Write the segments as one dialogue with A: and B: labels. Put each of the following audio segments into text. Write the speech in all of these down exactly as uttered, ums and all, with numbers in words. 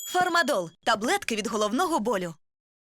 A: Фармадол – таблетки від головного болю.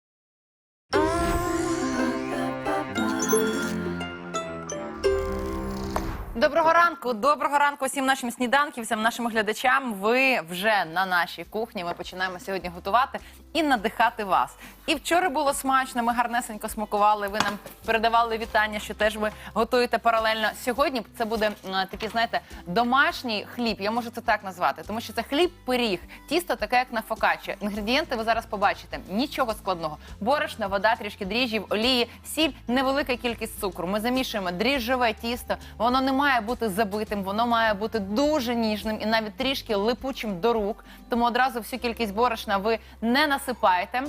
B: Доброго ранку, доброго ранку всім нашим сніданківцям, нашим глядачам. Ви вже на нашій кухні. Ми починаємо сьогодні готувати і надихати вас. І вчора було смачно, ми гарнесенько смакували, ви нам передавали вітання, що теж ви готуєте паралельно. Сьогодні це буде такий, знаєте, домашній хліб, я можу це так назвати, тому що це хліб-пиріг, тісто таке, як на фокаччо. Інгредієнти ви зараз побачите, нічого складного. Борошно, вода, трішки дріжджів, олії, сіль, невелика кількість цукру. Ми замішуємо дріжджове тісто, воно не має бути забитим, воно має бути дуже ніжним і навіть трішки липучим до рук. Тому одразу всю кількість борошна ви не насипаєте.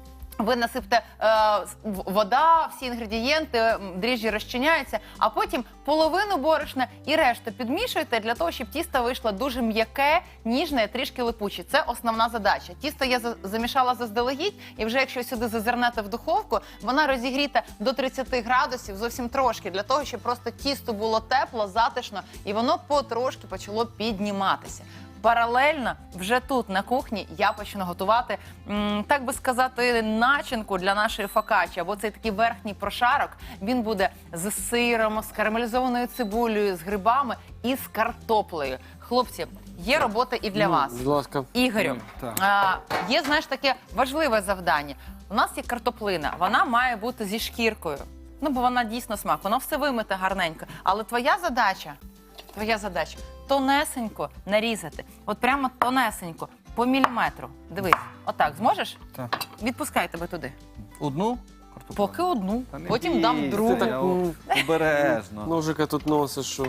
B: Ви насипте е, вода, всі інгредієнти, дріжджі розчиняються, а потім половину борошна і решту підмішуєте для того, щоб тісто вийшло дуже м'яке, ніжне, трішки липуче. Це основна задача. Тісто я замішала заздалегідь, і вже якщо сюди зазирнете в духовку, вона розігріта до тридцяти градусів, зовсім трошки, для того, щоб просто тісто було тепло, затишно, і воно потрошки почало підніматися. Паралельно вже тут, на кухні, я почну готувати, м, так би сказати, начинку для нашої фокаччі, або цей такий верхній прошарок. Він буде з сиром, з карамелізованою цибулею, з грибами і з картоплею. Хлопці, є робота і для
C: Ну,
B: вас.
C: будь ласка.
B: Ігорю,
C: Так.
B: а, є, знаєш, таке важливе завдання. У нас є картоплина, вона має бути зі шкіркою. Ну, бо вона дійсно смак, воно все вимите гарненько. Але твоя задача, твоя задача тонесенько нарізати. От прямо тонесенько, по міліметру. Дивись, отак, зможеш?
D: Так.
B: Відпускай тебе туди.
D: Одну?
B: Поки одну,
D: Та не
B: потім дам
D: бійся,
B: другу.
D: я о- Обережно.
C: Ножика тут носиш, що?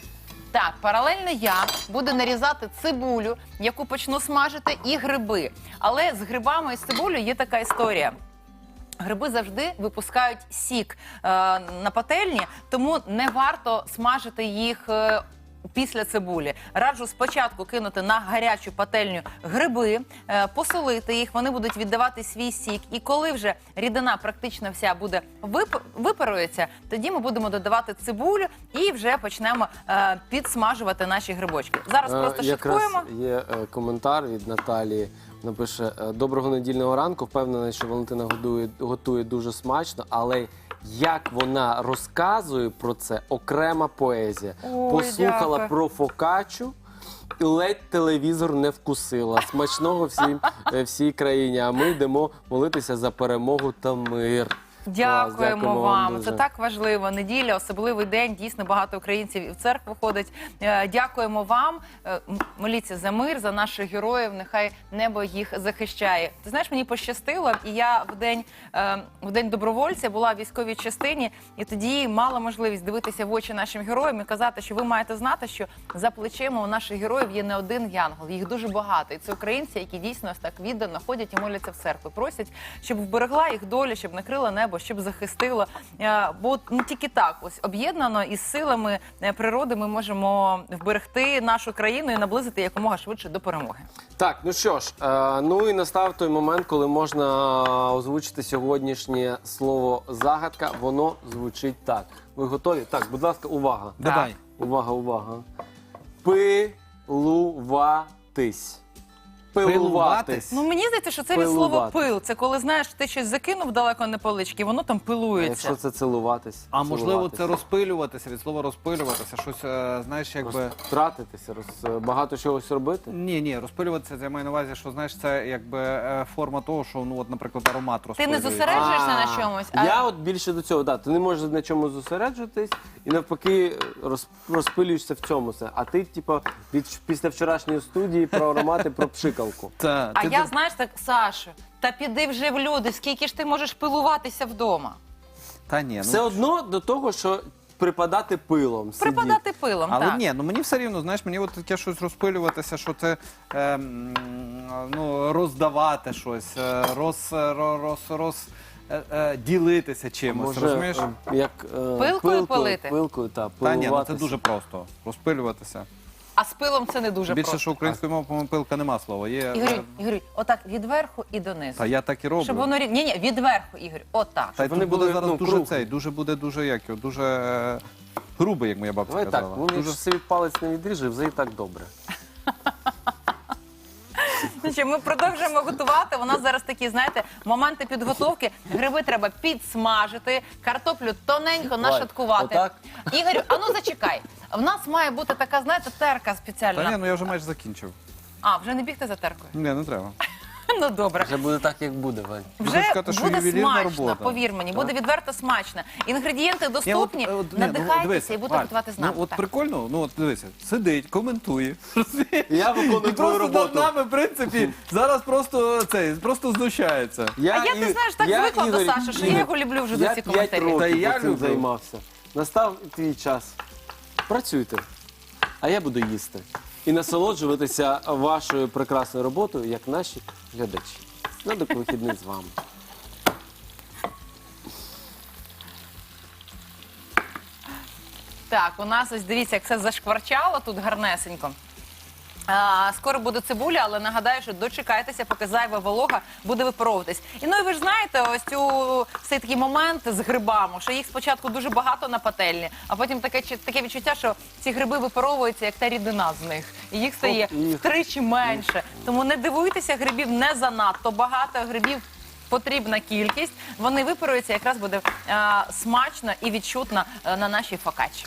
B: Так, паралельно я буду нарізати цибулю, яку почну смажити, і гриби. Але з грибами і з цибулею є така історія. Гриби завжди випускають сік е, на пательні, тому не варто смажити їх е, після цибулі. Раджу спочатку кинути на гарячу пательню гриби, е, посолити їх, вони будуть віддавати свій сік. І коли вже рідина практично вся буде вип... випарується, тоді ми будемо додавати цибулю і вже почнемо е, підсмажувати наші грибочки. Зараз
C: Е,
B: просто
C: якраз
B: шуткуємо.
C: є е, коментар від Наталії. Напише: е, доброго недільного ранку. Впевнений, що Валентина готує, готує дуже смачно, але як вона розказує про це, окрема поезія.
B: Ой,
C: Послухала
B: дякую.
C: про фокаччу і ледь телевізор не вкусила. Смачного всім, е, всій країні. А ми йдемо молитися за перемогу та мир.
B: Дякуємо,
C: Клас, дякуємо
B: вам.
C: дуже.
B: Це так важливо. Неділя, особливий день. Дійсно, багато українців і в церкву ходить. Е, Дякуємо вам. Е, м- Моліться за мир, за наших героїв. Нехай небо їх захищає. Ти знаєш, мені пощастило, і я в день, е, в день добровольця була в військовій частині, і тоді мала можливість дивитися в очі нашим героям і казати, що ви маєте знати, що за плечима у наших героїв є не один янгол, їх дуже багато. І це українці, які дійсно ось так віддано ходять і моляться в церкву. Просять, щоб вберегла їх доля, щоб накрила небо, щоб захистило. Е, Бо ну, тільки так, ось об'єднано із силами е, природи ми можемо вберегти нашу країну і наблизити якомога швидше до перемоги.
C: Так, ну що ж, е, ну і настав той момент, коли можна озвучити сьогоднішнє слово загадка. Воно звучить так. Ви готові? Так, будь ласка, увага.
D: Давай.
C: Увага, увага. Пилуватись.
D: Пилуватись?
B: Ну мені здається, що це від слова
C: Пилувати.
B: пил. Це коли, знаєш, ти щось закинув далеко на полички, воно там
C: А
B: пилується.
C: якщо це цілуватись?
D: А можливо,
C: Цілуватись.
D: це розпилюватися, від слова розпилюватися, щось, е, знаєш, якби...
C: Розтратитися, роз... багато чогось робити?
D: Ні, ні, розпилюватися, я маю на увазі, що, знаєш, це якби е, форма того, що, ну, от, наприклад, аромат
B: Ти
D: розпилюється.
B: не зосереджуєшся на чомусь, а
C: Я от більше до цього, да, ти не можеш на чомусь зосереджуватись і навпаки роз... розпилюєшся в цьому все. А ти, типу, від... після вчорашньої студії про аромати, про пшикалку.
D: Та,
B: А
D: ти
B: я,
D: де-
B: знаєш, так, Сашу, та піди вже в люди, скільки ж ти можеш пилуватися вдома?
D: Та ні,
C: Все
D: ну...
C: одно до того, що припадати пилом. сидіти.
B: Припадати пилом,
D: Але
B: так.
D: ні, ну мені все рівно, знаєш, мені от таке щось розпилюватися, що це е, м, ну, роздавати щось, е, роз, роз, роз, роз е, е, ділитися чимось,
C: Може,
D: розумієш?
C: е, як, е,
B: Пилкою пилити?
C: Пилкою, так,
D: Та ні, ну це
C: пилуватися.
D: дуже просто. Розпилюватися.
B: А з пилом це не дуже
D: Більше,
B: просто.
D: що українською мовою, по-моєму, пилка нема слова. Є,
B: Ігорю,
D: е,
B: Ігорю, отак відверху і донизу.
D: Та я так і роблю.
B: Щоб воно рів- ні, ні, відверху, Ігор, отак.
D: Та й
C: вони
D: тут буде
C: були,
D: зараз
C: ну,
D: дуже
C: круглі.
D: цей, дуже буде дуже як його, дуже е, грубий, як моя бабця
C: Давай так,
D: казала.
C: ну,
D: Дуже...
C: якщо собі палець не відріже, вже і так добре.
B: Значить, ми продовжуємо готувати. У нас зараз такі, знаєте, моменти підготовки. Гриби треба підсмажити, картоплю тоненько нашаткувати.
C: отак?
B: Ігорю, а ну зачекай. В нас має бути така, знаєте, терка спеціальна.
D: Та ні, ну я вже майже закінчив.
B: А, вже не бігти за теркою?
D: Ні, не треба.
B: Ну добре.
C: Вже буде так, як буде, Вань.
B: Вже
D: Можна сказати, що
B: буде
D: ювелірна
B: смачно,
D: робота.
B: повір мені, буде відверто смачно. Інгредієнти
D: Ні,
B: доступні,
D: от, от, ні, ну,
B: надихайтеся
D: дивися,
B: і будете
D: Валь,
B: готувати з нами.
D: Ну, от
B: Так.
D: прикольно, ну от дивися, сидить, коментує.
C: Я виконую
D: І
C: твою
D: просто
C: роботу.
D: над нами, в принципі, зараз просто цей, просто знущається.
B: А я, ти
C: і-
B: знаєш, так
C: я,
B: звикла до
C: Ігор,
B: Саші, що
C: Ігор,
B: я його люблю вже за
C: я
B: ці
C: п'ять
B: коментарі.
C: років
D: Та і я
C: цим
D: люблю.
C: займався. Настав твій час. Працюйте, а я буду їсти. І насолоджуватися вашою прекрасною роботою, як наші глядачі. На до вихідних з вами.
B: Так, у нас ось дивіться, як все зашкварчало тут гарнесенько. А, скоро буде цибуля, але нагадаю, що дочекайтеся, поки зайва волога буде випаровуватись. І ну і ви ж знаєте, ось цю цей такий момент з грибами, що їх спочатку дуже багато на пательні, а потім таке чи- таке відчуття, що ці гриби випаровуються, як та рідина з них, і їх стає
C: Оп, і-
B: втричі менше. Тому не дивуйтеся, грибів не занадто багато, грибів потрібна кількість. Вони випаруються, якраз буде а, смачно і відчутно а, на нашій фокачі.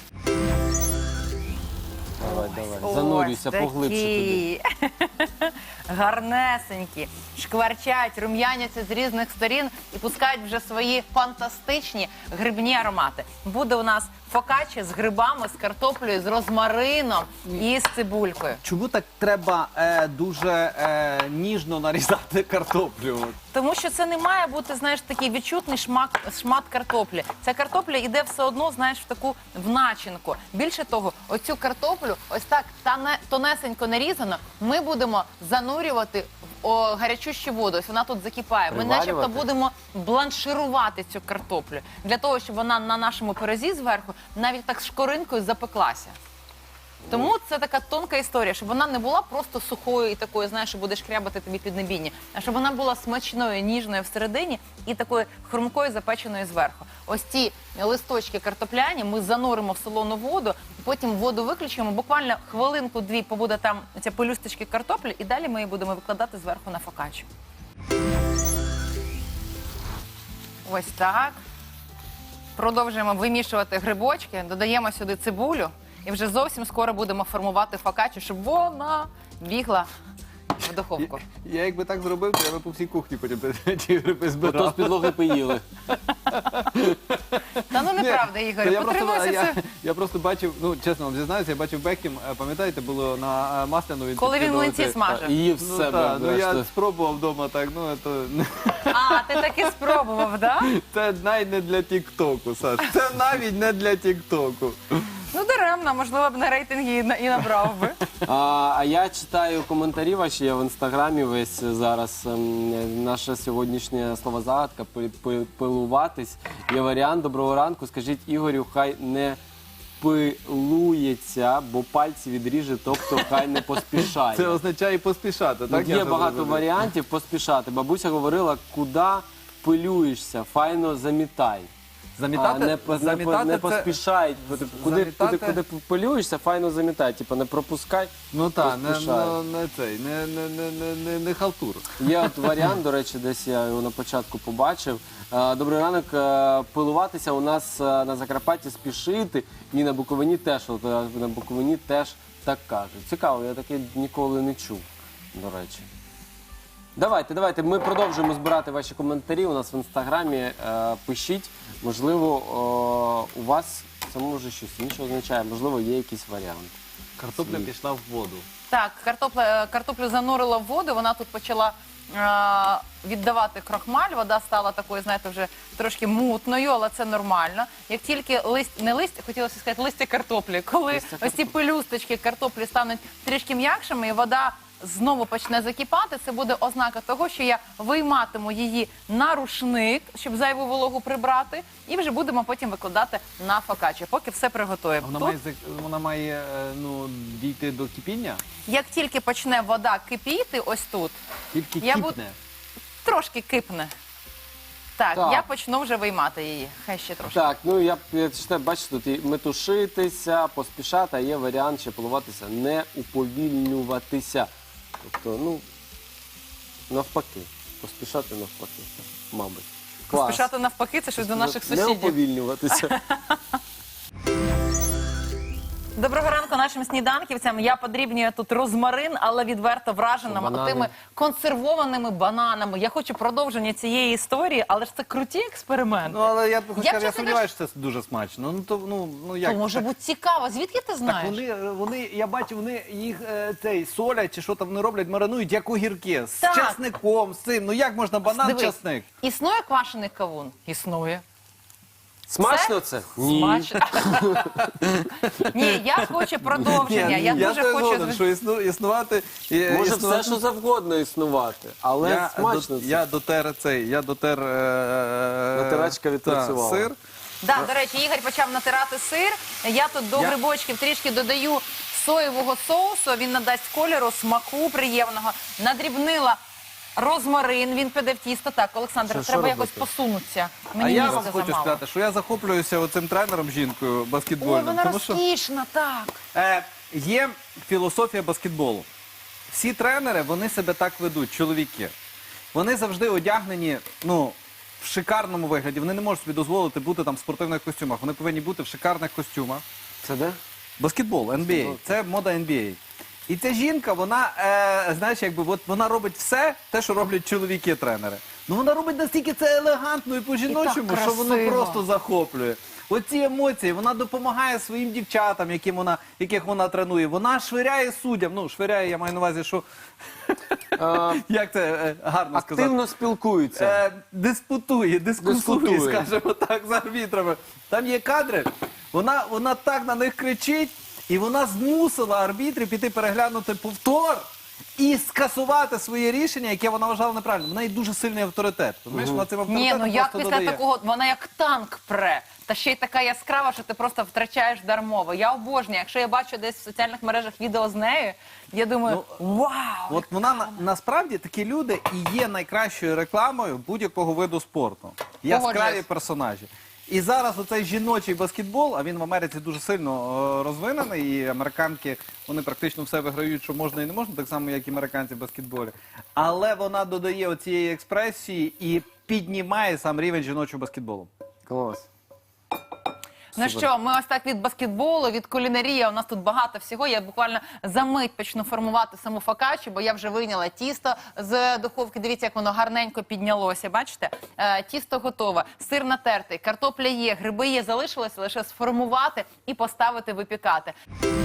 C: Давай, давай. Занурюйся
B: Ось
C: поглибше туди.
B: такі. Гарнесенькі, шкварчать, рум'яняться з різних сторін і пускають вже свої фантастичні грибні аромати. Буде у нас фокачі з грибами, з картоплею, з розмарином і з цибулькою.
D: Чому так треба е, дуже е, ніжно нарізати картоплю?
B: Тому що це не має бути, знаєш, такий відчутний шмат, шмат картоплі. Ця картопля йде все одно, знаєш, в таку в начинку. Більше того, оцю картоплю, ось так тане- тонесенько нарізано, ми будемо занурювати в о, гарячущу воду. Ось вона тут закипає. Ми начебто
C: Приварювати?
B: будемо бланширувати цю картоплю. Для того, щоб вона на нашому пирозі зверху навіть так шкоринкою запеклася. Тому це така тонка історія, щоб вона не була просто сухою і такою, знаєш, що будеш крябати тобі під небіння, а щоб вона була смачною, ніжною всередині і такою хрумкою запеченою зверху. Ось ці листочки картопляні ми зануримо в солону воду, потім воду виключимо, буквально хвилинку-дві побуде там ця пелюсточки картоплі, і далі ми її будемо викладати зверху на фокаччу. Ось так. Продовжуємо вимішувати грибочки, додаємо сюди цибулю і вже зовсім скоро будемо формувати фокаччу, щоб вона бігла в духовку.
D: Я, я якби так зробив, то я би по всій кухні потім ті гриби
C: Ото
D: збирав.
C: з підлоги поїли.
B: Та ну неправда,
D: Ні,
B: Ігор,
D: то я просто,
B: потримайся
D: я,
B: це.
D: я просто бачив, ну чесно вам зізнаюся, я бачив Бекхем, е, пам'ятаєте, було на е, Масляну він
B: Коли він
D: підкидував
B: млинці
D: цей-
B: смажив.
C: Їв
D: Ну,
C: з себе.
D: та, ну я
C: зрештою.
D: спробував вдома так, ну це,
B: А, ти таки спробував, да?
D: це навіть не для Тік-Току, Саш. Це навіть не для Тік-Току.
B: Ну даремно, можливо б на рейтинги і на- і набрав би.
C: А, а я читаю коментарі ваші, я в інстаграмі весь зараз. ем, Наша сьогоднішня словозагадка пи- пи- пилуватись. Є варіант. Доброго ранку. Скажіть Ігорю, хай не пилується, бо пальці відріже, тобто хай не поспішає.
D: Це означає поспішати,
C: Ну,
D: так?
C: є
D: я
C: багато
D: зрозумів?
C: варіантів поспішати. Бабуся говорила, куди пилюєшся, файно замітай.
D: Замітати,
C: а не, по- не, по-
D: замітати
C: не
D: це-
C: поспішай. Куди, куди,
D: замітати-
C: куди пилюєшся, файно замітай. Типу не пропускай.
D: Ну так, не,
C: поспішай.
D: не, не цей, не, не, не, не, не, не халтур.
C: Є от варіант, до речі, десь я його на початку побачив. Е, Добрий ранок. е, Пилуватися у нас е, на Закарпатті спішити, і на Буковині теж. От, е, на Буковині теж так кажуть. Цікаво, я таке ніколи не чув, до речі. Давайте, давайте, ми продовжуємо збирати ваші коментарі. У нас в інстаграмі е, пишіть. Можливо, о, у вас це може щось інше означає, можливо, є якийсь варіант.
D: Картопля пішла в воду.
B: Так, картопля, картоплю занурила в воду, вона тут почала е, віддавати крохмаль, вода стала такою, знаєте, вже трошки мутною, але це нормально. Як тільки лист, не лист, хотілося сказати листя картоплі, коли
C: Листя
B: ось ці пелюсточки картоплі стануть трішки м'якшими і вода знову почне закипати, це буде ознака того, що я вийматиму її на рушник, щоб зайву вологу прибрати, і вже будемо потім викладати на фокаччу, поки все приготуємо.
D: Вона
B: Тут
D: має, зак- вона має е, ну, дійти до кипіння,
B: як тільки почне вода кипіти, ось тут,
D: тільки
B: Я бу-
D: кипне.
B: трошки кипне. Так,
C: Так.
B: я почну вже виймати її. Хай ще трошки.
C: Так, ну я, я читаю, бачите, тут і метушитися, поспішати, а є варіант ще пилуватися, не уповільнюватися. Тобто, ну, Навпаки. Поспішати навпаки. Мабуть. Клас.
B: Поспішати навпаки, це щось до наших
C: Не
B: сусідів.
C: уповільнюватися.
B: Доброго ранку нашим сніданківцям. Я подрібнюю тут розмарин, але відверто вражена
C: Банани.
B: тими консервованими бананами. Я хочу продовження цієї історії, але ж це круті експерименти.
D: Ну, але я,
B: Я,
D: я, я
B: чесно
D: сумніваюся, що це дуже смачно. Ну, то, ну, ну як?
B: То може
D: так,
B: бути цікаво. Звідки ти
D: так
B: знаєш?
D: вони, вони, я бачу, вони їх е, цей, солять чи що там вони роблять, маринують, як огірки, з
B: Так.
D: часником, з цим. Ну як можна банан,
B: Дивись,
D: часник?
B: Існує квашений кавун? Існує.
C: Смачно це? Ні.
B: Смачно. Ні, я хочу продовження. Я дуже
D: теж
B: хочу.
D: згоден, що існу, існувати... і-
C: Може
D: існувати-
C: все, що завгодно існувати, але
D: я,
C: смачно
D: до,
C: це.
D: я дотер цей, я дотер... Е,
C: Натирачка
D: та,
C: відпрацювала.
D: сир.
B: Да, до речі, Ігор почав натирати сир. Я тут до
D: Я-
B: грибочків трішки додаю соєвого соусу. Він надасть кольору, смаку приємного. Надрібнила розмарин, він піде в тісто. Так, Олександр,
C: Що- що
B: треба якось
C: робити?
B: посунутися.
D: А
B: Мені
D: я
B: місця
D: вам хочу
B: замало.
D: сказати, що я захоплююся оцим тренером жінкою
B: Ой,
D: баскетбольним.
B: вона
D: тому що
B: розкішна, так.
D: е, є філософія баскетболу. Всі тренери, вони себе так ведуть, чоловіки. Вони завжди одягнені, ну, в шикарному вигляді. Вони не можуть собі дозволити бути там в спортивних костюмах. Вони повинні бути в шикарних костюмах.
C: Це де?
D: Баскетбол, ен бі ей. Це мода ен бі ей. І ця жінка, вона, е, знаєш, якби от вона робить все те, що роблять чоловіки-тренери. Ну вона робить настільки це елегантно і по-жіночому,
B: І так
D: що воно
B: красиво.
D: просто захоплює. Оці емоції, вона допомагає своїм дівчатам, яким вона, яких вона тренує. Вона швиряє суддям. Ну, швиряє, я маю на увазі, що
C: Е,
D: як це е, гарно сказати.
C: Активно спілкуються.
D: Е, диспутує, дискусує,
C: Дискутує.
D: скажімо так, з арбітрами. Там є кадри, вона, вона так на них кричить, і вона змусила арбітрів піти переглянути повтор і скасувати своє рішення, яке вона вважала неправильним. Вона є дуже сильний авторитет. Розумієш, вона цим
B: Ні,
D: авторитетом
B: ну як
D: просто
B: після
D: додає.
B: такого, вона як танк пре. Та ще й така яскрава, що ти просто втрачаєш дармово. Я обожнюю. Якщо я бачу десь в соціальних мережах відео з нею, я думаю, вау!
D: От вона на- насправді такі люди і є найкращою рекламою будь-якого виду спорту. Яскраві
B: Погоджуюсь.
D: персонажі. І зараз оцей жіночий баскетбол, а він в Америці дуже сильно е, розвинений, і американки, вони практично все виграють, що можна і не можна, так само, як і американці в баскетболі. Але вона додає оцієї експресії і піднімає сам рівень жіночого баскетболу.
C: Клас.
B: Ну що, ми ось так від баскетболу, від кулінарії, у нас тут багато всього. Я буквально за мить почну формувати саму фокаччу, бо я вже вийняла тісто з духовки. Дивіться, як воно гарненько піднялося, бачите? Е, тісто готове, сир натертий, картопля є, гриби є, залишилося лише сформувати і поставити випікати.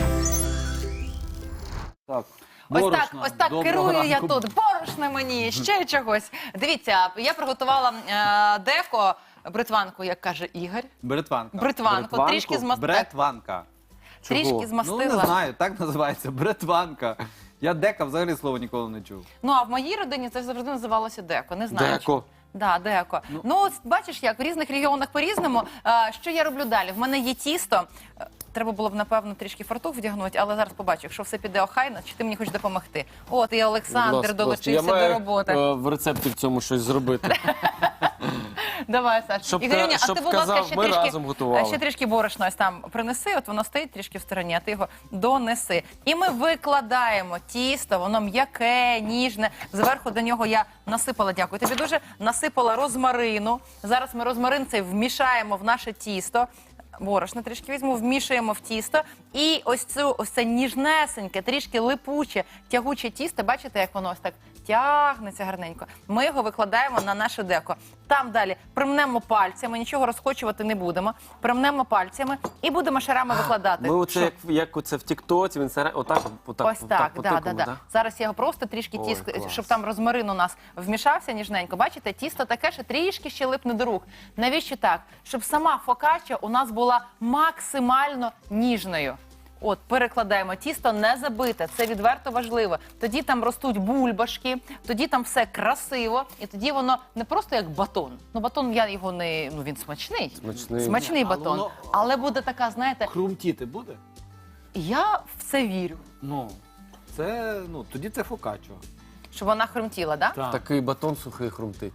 D: Так.
B: Ось
D: Борошна.
B: так, ось так
D: Доброго
B: керую я
D: ранку.
B: тут. Борошна мені, ще чогось. Дивіться, я приготувала е, деко, бритванку, як каже Ігор.
D: Бритванка.
B: Бритванку,
C: Бритванку?
B: трішки змастила.
D: Бретванка.
B: Трішки
C: Чого?
B: змастила.
D: Ну, не знаю, так називається. Бретванка. Я дека взагалі слово ніколи не чув.
B: Ну, а в моїй родині це завжди називалося деко. Не знаю.
C: Деко.
B: чому. Да, деко. Ну, от бачиш, як в різних регіонах по-різному. А, що я роблю далі? В мене є тісто. Е, Треба було б, напевно, трішки фартух вдягнути, але зараз побачу, якщо все піде охайно, чи ти мені хочеш допомогти. От, і Олександр
C: Будь ласка, будь ласка.
B: долучився
C: Я маю,
B: до роботи.
C: е, в рецепті в цьому щось зробити.
B: Давай, Саш.
C: Щоб
B: Ігорюня,
C: ка-
B: а
C: щоб
B: ти, будь ласка,
C: казав,
B: ще
C: ми
B: трішки,
C: разом готували.
B: ще трішки борошна ось там принеси, от воно стоїть трішки в стороні, а ти його донеси. І ми викладаємо тісто, воно м'яке, ніжне. Зверху до нього я насипала, дякую тобі дуже, насипала розмарину. Зараз ми розмарин цей вмішаємо в наше тісто. Борошно трішки візьму, вмішуємо в тісто. І ось цю ось це ніжнесеньке, трішки липуче, тягуче тісто. Бачите, як воно ось так тягнеться гарненько. Ми його викладаємо на наше деко. Там далі примнемо пальцями, нічого розкочувати не будемо. Примнемо пальцями і будемо шарами викладати.
C: Ми оце,
B: Що?
C: як, як оце в Тіктоці, в інстаграмі, отак, отак,
B: Ось так,
C: по
B: да, да,
C: тикому,
B: да.
C: да?
B: Зараз я його просто трішки
C: Ой,
B: тіск,
C: клас.
B: щоб там розмарин у нас вмішався ніжненько. Бачите, тісто таке, що трішки ще липне до рук. Навіщо так? Щоб сама фокачча у нас була максимально ніжною. От, перекладаємо. Тісто не забите, це відверто важливо. Тоді там ростуть бульбашки, тоді там все красиво, і тоді воно не просто як батон. Ну, батон, я його не... Ну, він смачний.
C: Смачний.
B: Смачний
D: Але
B: батон.
D: воно-
B: Але буде така, знаєте,
D: Хрумтіти буде?
B: я в це вірю.
D: Ну, це, ну, тоді це фокаччо.
B: Щоб вона хрумтіла, да?
D: Так.
C: Такий батон сухий хрумтить.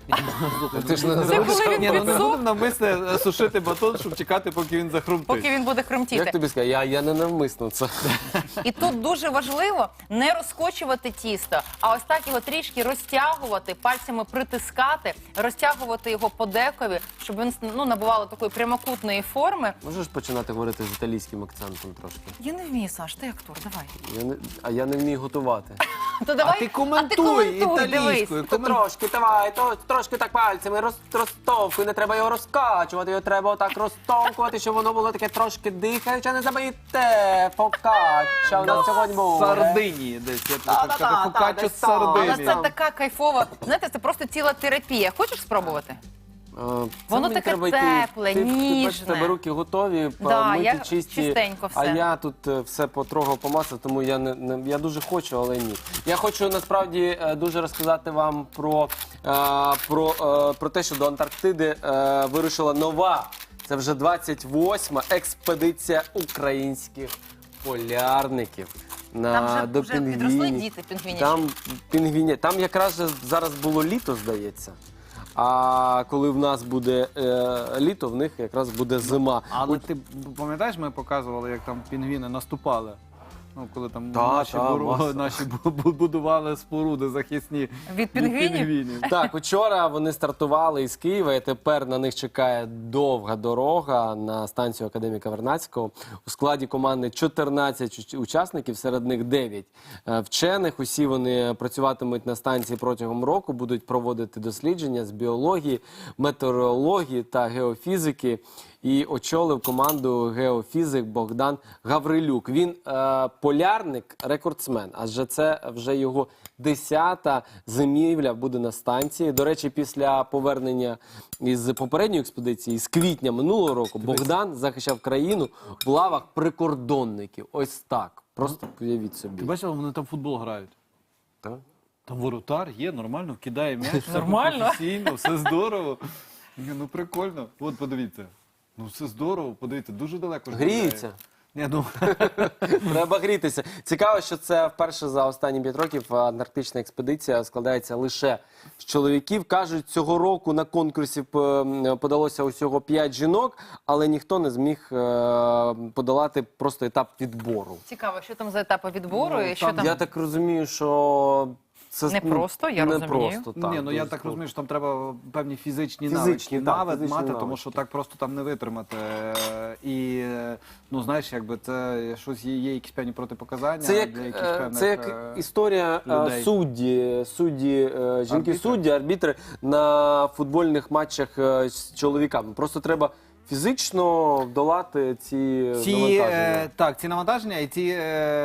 C: Ти ж не
B: Це
C: називаєш
B: коли він
D: Ні, ну не
B: підсох,
D: будемо навмисне сушити батон, щоб чекати, поки він захрумтить.
B: поки він буде
C: Як
B: хрумтіти.
C: тобі сказати? Я, я не навмисно це.
B: І тут дуже важливо не розкочувати тісто, а ось так його трішки розтягувати, пальцями притискати, розтягувати його по декові, щоб він ну, набувало такої прямокутної форми.
C: Можеш починати говорити з італійським акцентом трошки?
B: Я не вмію, Саш, ти актор, давай.
C: Я не, а я не вмію готувати.
B: То давай,
D: ти коментуй
B: коментуй,
D: італійською.
B: дивись.
C: Трошки, давай, то, трошки так пальцями роз, розтовкуй, не треба його розкачувати, його треба отак розтовкувати, щоб воно було таке трошки дихаюче, не забийте, фокачча, у нас сьогодні буде.
D: Сардинії десь. Я тобі
C: Та-та-та,
D: хочу сказати,
C: та,
D: фокаччо
C: десь
D: з
C: там.
B: Але
D: Сардинії.
B: це така кайфова, знаєте, це просто ціла терапія. Хочеш спробувати?
C: Е, це
B: Воно
C: мені
B: таке
C: треба йти-
B: тепле,
C: ти, Ти бачиш,
B: ніжне.
C: в тебе руки готові,
B: Да,
C: миті,
B: я
C: чисті.
B: чистенько все.
C: А я тут е, все потрогав, помацав, тому я не, не я дуже хочу, але ні. Я хочу насправді е, дуже розказати вам про, е, про, е, про те, що до Антарктиди е, вирушила нова. Це вже двадцять восьма експедиція українських полярників. На,
B: Там вже,
C: до
B: вже підросли
C: пінгвінів.
B: діти пінгвінячі.
C: Там пінгвіні. Там якраз же зараз було літо, здається. А коли в нас буде е, літо, в них якраз буде зима.
D: Але ти пам'ятаєш, ми показували, як там пінгвіни наступали? Ну, коли там
C: Та,
D: наші,
C: та,
D: буру-
C: маса.
D: наші бу- бу- будували споруди захисні
B: Від пінгвінів?
C: Так, учора вони стартували із Києва, і тепер на них чекає довга дорога на станцію академіка Вернадського. У складі команди чотирнадцять уч- учасників, серед них дев'ять е, вчених. Усі вони працюватимуть на станції протягом року, будуть проводити дослідження з біології, метеорології та геофізики. І очолив команду геофізик Богдан Гаврилюк. Він е, полярник, рекордсмен, адже це вже його десята зимівля буде на станції. До речі, після повернення із попередньої експедиції, з квітня минулого року, Богдан захищав країну в лавах прикордонників. Ось так. Просто уявіть
D: Ти
C: собі.
D: бачив, вони там в футбол грають.
C: Так?
D: Там воротар є, нормально, кидає м'яч, все
B: Нормально?
D: професійно, все здорово. Ні, ну прикольно. От подивіться. Ну все здорово, подивіться, дуже далеко. ж
C: Гріються.
D: Ні, ну,
C: Треба грітися. Цікаво, що це вперше за останні п'ять років антарктична експедиція складається лише з чоловіків. Кажуть, цього року на конкурсі п- подалося усього п'ять жінок, але ніхто не зміг е, подолати просто етап відбору.
B: Цікаво, що там за етапи відбору
D: Ну,
B: і що
D: там
B: там.
C: Я так розумію, що це
B: Не просто, я
C: не
B: розумію.
C: просто, так,
D: ні, ну я
C: дуже
D: так
C: складно.
D: розумію, що там треба певні фізичні,
C: Фізичні,
D: навички
C: так,
D: навик
C: фізичні
D: мати, тому
C: навички.
D: що так просто там не витримати. Е, І, е, ну знаєш, якби це щось є, є якісь певні протипоказання
C: Це як,
D: для якихось
C: е,
D: певних,
C: це як
D: е,
C: історія е,
D: людей.
C: судді, судді, е, жінки
D: Арбітри.
C: судді, арбітри на футбольних матчах е, з чоловіками. Просто треба фізично долати ці,
D: Ці,
C: навантаження.
D: е, так, ці навантаження і ці е,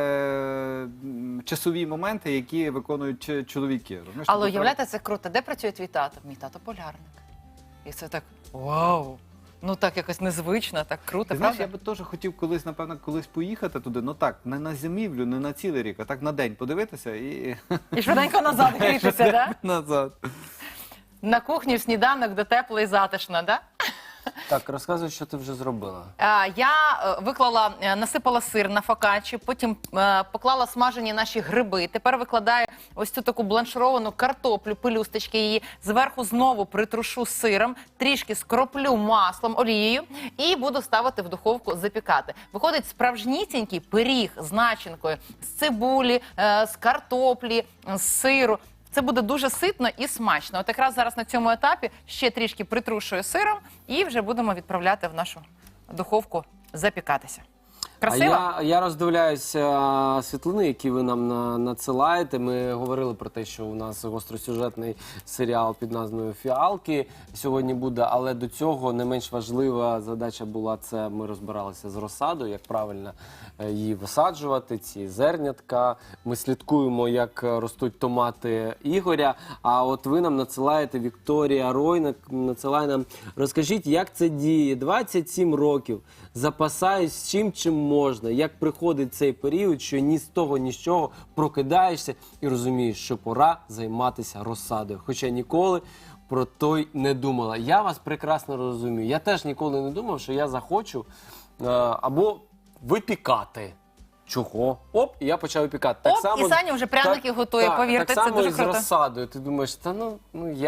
D: м, часові моменти, які виконують ч- чоловіки. Розумієш?
B: Але
D: Тобто
B: уявляєте, це круто. Де працює твій тато? Мій тато полярник. І це так вау! Ну так якось незвично, так круто,
D: Ти знаєш,
B: правда?
D: я би теж хотів колись, напевно, колись поїхати туди, ну так, не на зимівлю, не на цілий рік, а так на день подивитися і
B: І швиденько назад грітися, да?
D: назад.
B: На кухні в сніданок, де тепло і затишно, да?
C: Так, розказуй, що ти вже зробила.
B: А, Я е, виклала, е, насипала сир на фокаччі, потім е, поклала смажені наші гриби. Тепер викладаю ось цю таку бланшировану картоплю, пелюсточки її. Зверху знову притрушу сиром, трішки скроплю маслом, олією і буду ставити в духовку запікати. Виходить справжнісінький пиріг з начинкою, з цибулі, е, з картоплі, з сиру. Це буде дуже ситно і смачно. От якраз зараз на цьому етапі ще трішки притрушую сиром і вже будемо відправляти в нашу духовку запікатися. Красиво?
C: А я, я роздивляюся світлини, які ви нам на, надсилаєте. Ми говорили про те, що у нас гостросюжетний серіал під назвою «Фіалки» сьогодні буде, але до цього не менш важлива задача була це, ми розбиралися з розсадою, як правильно е, її висаджувати, ці зернятка. Ми слідкуємо, як ростуть томати Ігоря. А от ви нам надсилаєте, Вікторія Ройна надсилає нам, розкажіть, як це діє? двадцять сім років, запасаюсь чим, чим можна. Як приходить цей період, що ні з того, ні з чого прокидаєшся і розумієш, що пора займатися розсадою. Хоча ніколи про той не думала. Я вас прекрасно розумію. Я теж ніколи не думав, що я захочу е, або випікати. Чого? Оп, і я почав випікати.
B: Оп, і Саня вже пряники готує, повірте,
C: так
B: це
C: само
B: дуже
C: і з
B: круто.
C: розсадою. Ти думаєш, та ну, ну я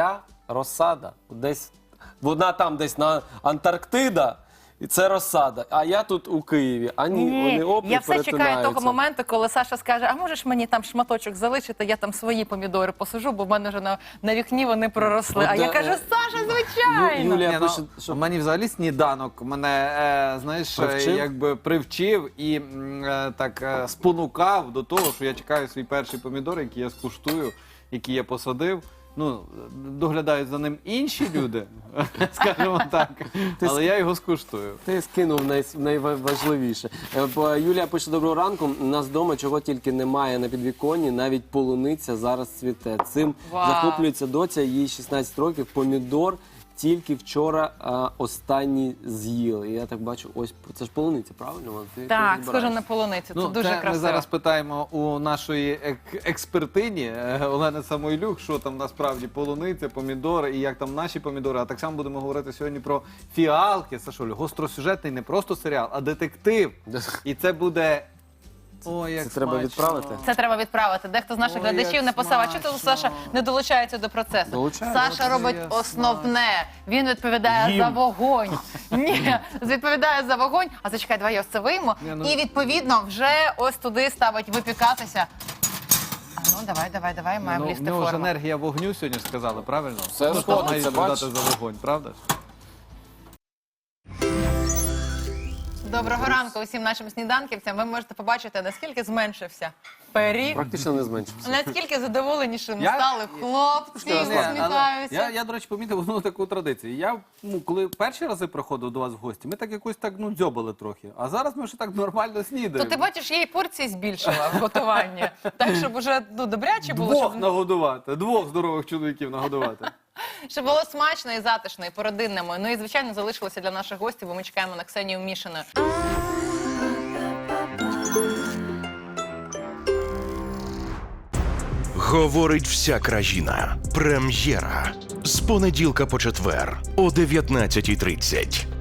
C: розсада. Десь, вона там десь на Антарктида, і це розсада. А я тут у Києві. А ні, вони оп,
B: я
C: і
B: все чекаю того
C: перетинаються.
B: моменту, коли Саша скаже, а можеш мені там шматочок залишити, я там свої помідори посажу, бо в мене вже на, на вікні вони проросли.
C: От,
B: А я
C: е,
B: кажу, Sasha, звичайно!
C: Юлія
D: Ні,
C: пише,
D: ну,
C: що
D: мені взагалі сніданок мене, е, знаєш, е,
C: Привчив?
D: якби привчив і м, е, так е, спонукав до того, що я чекаю свій перший помідор, який я скуштую, який я посадив. Ну, доглядають за ним інші люди, скажімо так, але я його скуштую.
C: ти скинув най, найважливіше. Е, бо Юлія пише, доброго ранку. У нас вдома чого тільки немає на підвіконні, навіть полуниця зараз цвіте. Цим
B: Вау.
C: захоплюється доця, їй шістнадцять років. Помідор тільки вчора а, останній з'їли. І я так бачу, ось це ж полуниця, правильно? Вона? Ти
B: Так,
C: розбираєшся.
B: схоже на полуницю, це
D: Ну,
B: дуже
D: це
B: красиво.
D: ми зараз питаємо у нашої ек- експертині е, Олени Самойлюк, що там насправді полуниця, помідори і як там наші помідори. А так само будемо говорити сьогодні про фіалки. Сашолю, гостросюжетний не просто серіал, а детектив. І це буде... Ой, як
C: Це треба
D: смачно.
C: відправити?
B: Це треба відправити. Дехто з наших
D: Ой,
B: глядачів
D: як
B: написав, а чого
D: смачно.
B: Саша не долучається до процесу?
C: Долучається.
B: Саша робить
D: Як
B: основне. Він відповідає
C: Їм.
B: за вогонь. Ні, відповідає за вогонь. А зачекай, давай я ось це вийму.
D: Ні, ну-
B: І відповідно вже ось туди ставить випікатися. А ну давай, давай, давай, має
D: Ну, в
B: влізти
D: нього ж
B: форма.
D: енергія вогню сьогодні ж сказали, правильно?
C: Все
D: Ну,
C: сходиться,
D: має
C: бачиш?
D: відповідати за вогонь, правда ж?
B: Доброго ранку усім нашим сніданківцям. Ви можете побачити, наскільки зменшився пиріг.
C: Практично не зменшився.
B: Наскільки задоволенішими
D: Я-
B: стали хлопці,
D: Ні, але
B: усміхаються.
D: Я, я, до речі, помітив одну таку традицію. Я, ну, коли перші рази приходив до вас в гості, ми так якось так, ну, дзьобали трохи. А зараз ми вже так нормально
B: То
D: снідаємо.
B: ти бачиш, я і порції збільшила в готуванні. Так, щоб уже ну, добряче було,
D: Двох
B: щоб,
D: нагодувати, двох здорових чоловіків нагодувати.
B: щоб було смачно і затишно, і по-родинному. Ну і, звичайно, залишилося для наших гостів, бо ми чекаємо на Ксенію Мішину.
E: Говорить вся країна. Прем'єра. З понеділка по четвер о дев'ятнадцятій тридцять.